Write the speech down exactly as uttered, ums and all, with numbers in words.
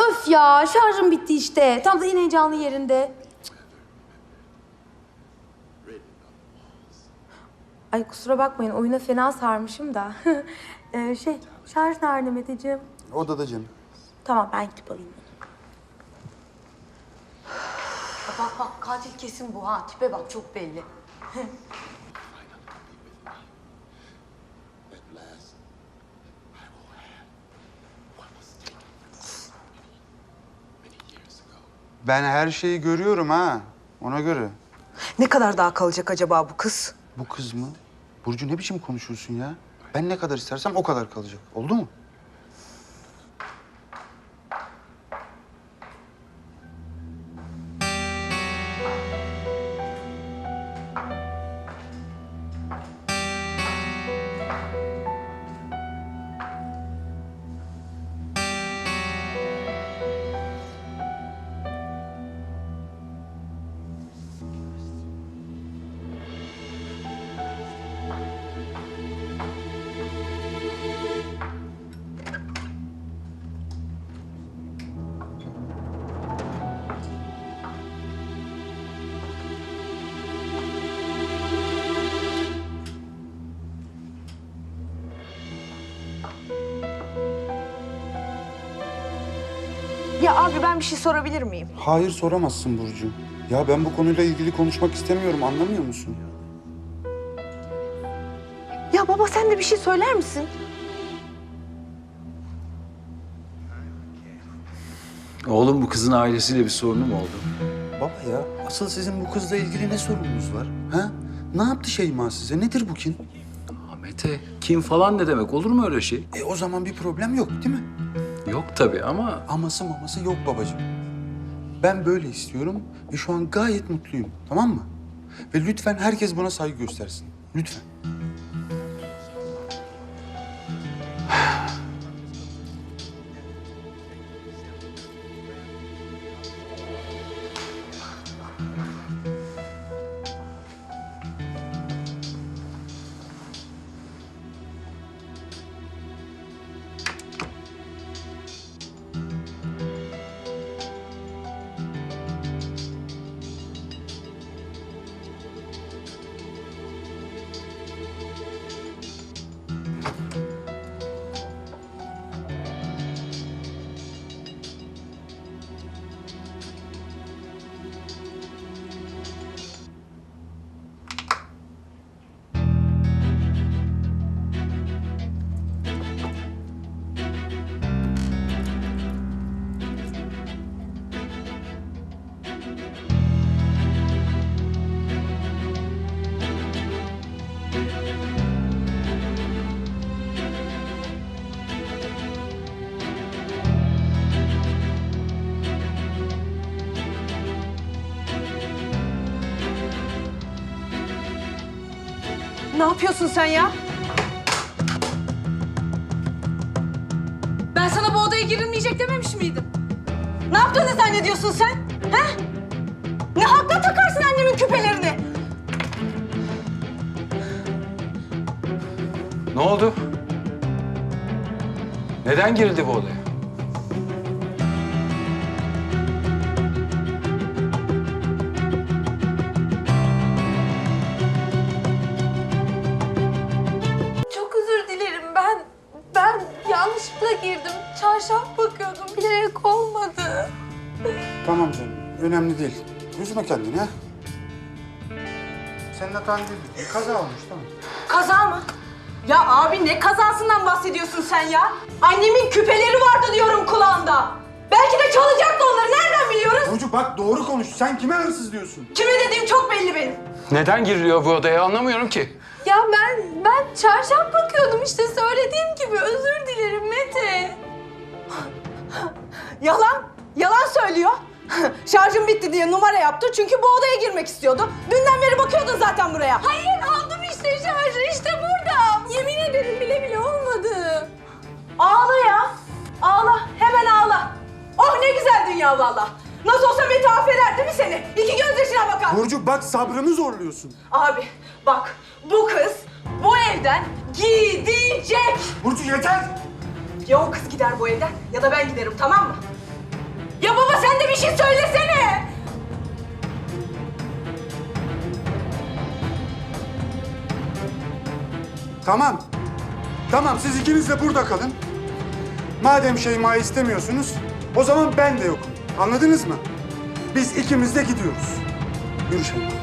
Öf ya, şarjım bitti işte. Tam da en heyecanlı yerinde. Ay kusura bakmayın, oyuna fena sarmışım da. ee, şey, şarj nerede Meteciğim? Odada canım. Tamam, ben gidip alayım. Bak bak, katil kesin bu ha. Tipe bak, çok belli. Ben her şeyi görüyorum ha. Ona göre. Ne kadar daha kalacak acaba bu kız? Bu kız mı? Burcu ne biçim konuşuyorsun ya? Ben ne kadar istersem o kadar kalacak. Oldu mu? Ya abi ben bir şey sorabilir miyim? Hayır soramazsın Burcu. Ya ben bu konuyla ilgili konuşmak istemiyorum. Anlamıyor musun? Ya baba sen de bir şey söyler misin? Oğlum bu kızın ailesiyle bir sorunu mu oldu? Baba ya, asıl sizin bu kızla ilgili ne sorununuz var? Ha? Ne yaptı Şeyma size? Nedir bu kin? Aa, Mete, kim falan ne demek? Olur mu öyle şey? E o zaman bir problem yok değil mi? Yok tabii ama Aması maması yok babacığım. Ben böyle istiyorum ve şu an gayet mutluyum, tamam mı? Ve lütfen herkes buna saygı göstersin. Lütfen. Ne yapıyorsun sen ya? Ben sana bu odaya girilmeyecek dememiş miydim? Ne yaptığını zannediyorsun sen? Ha? Ne hakla takarsın annemin küpelerini? ne oldu? Neden girildi bu odaya? Çok özür dilerim ben. Ben yanlışlıkla girdim. Çarşaf bakıyordum. Bilerek olmadı. Tamam canım, önemli değil. Üzme kendini ha. Senin hatan değil, bir kaza olmuş tamam. Kaza mı? Ya abi ne kazasından bahsediyorsun sen ya? Annemin küpeleri vardı diyorum kulağında. Belki de çalacaktı onları. Nereden biliyoruz? Burcu bak doğru konuş. Sen kime hırsız diyorsun? Kime dediğim çok belli benim. Neden giriliyor bu odaya anlamıyorum ki. Ya ben ben çarşaf bakıyordum işte söylediğim gibi. Özür dilerim Mete. Yalan. Yalan söylüyor. Şarjım bitti diye numara yaptı çünkü bu odaya girmek istiyordu. Dünden beri bakıyordun zaten buraya. Hayır aldım işte şarjı işte burada. Yemin ederim bile bile olmadı. Ağla ya. Ağla. Hemen ağla. Oh ne güzel dünya valla. Nasıl olsa Mete affeder değil mi seni? İki gözyaşına bakar. Burcu bak sabrımı zorluyorsun. Abi bak bu kız bu evden gidecek. Burcu yeter. Ya o kız gider bu evden ya da ben giderim tamam mı? Ya baba sen de bir şey söylesene. Tamam. Tamam siz ikiniz de burada kalın. Madem Şeyma'yı istemiyorsunuz, o zaman ben de yokum. Anladınız mı? Biz ikimiz de gidiyoruz. Yürü Şeyma.